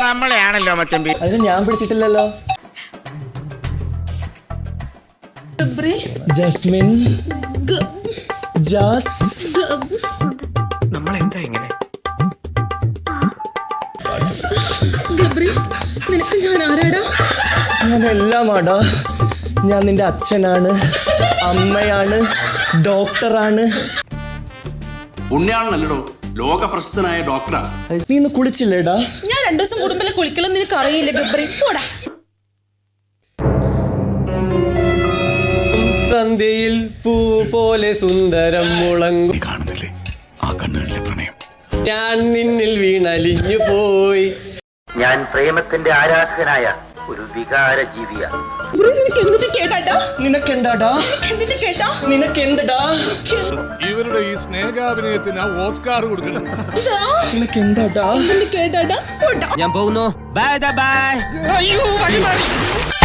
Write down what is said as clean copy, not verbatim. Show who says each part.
Speaker 1: നമ്മളെയാണല്ലോ മച്ചമ്പി.
Speaker 2: അതിന് ഞാൻ പിടിച്ചിട്ടില്ലല്ലോ. ജസ്മിൻ
Speaker 1: നമ്മളെന്താ ഇങ്ങനെ?
Speaker 2: ഞാൻ എല്ലാമാടാ. ഞാൻ നിന്റെ അച്ഛനാണ്, അമ്മയാണ്, ഡോക്ടറാണ്.
Speaker 3: പുണ്യാളനല്ലോ, ലോക പ്രശസ്തനായ ഡോക്ടറാ.
Speaker 2: നീ ഇന്ന് കുളിച്ചില്ലേടാ?
Speaker 4: ഞാൻ 2 ദിവസം കൂടുമ്പോ കുളിക്കലൊന്നും നിനക്ക് അറിയില്ല ഗബ്രി. പോടാ.
Speaker 2: സന്ധ്യയിൽ പൂ പോലെ സുന്ദരം മുളങ്ങും
Speaker 3: കാണുന്നില്ലേ ആ കണ്ണുകളിലെ പ്രണയം?
Speaker 2: ഞാൻ നിന്നിൽ വീണലിഞ്ഞു പോയി.
Speaker 1: ഞാൻ പ്രേമത്തിന്റെ ആരാധകനായ ഒരു വികാര ജീവിയാണ്.
Speaker 2: നിനക്കെന്താടാ? നിനക്കെന്തടാ?
Speaker 5: ഇവരുടെ ഈ സ്നേഹാഭിനയത്തിന് ഓസ്കാർ കൊടുക്കണം.
Speaker 2: നിനക്കെന്താടാ?
Speaker 4: കേട്ടാ
Speaker 2: ഞാൻ പോകുന്നു. Bye bye. അയ്യോ വഴി മാറി.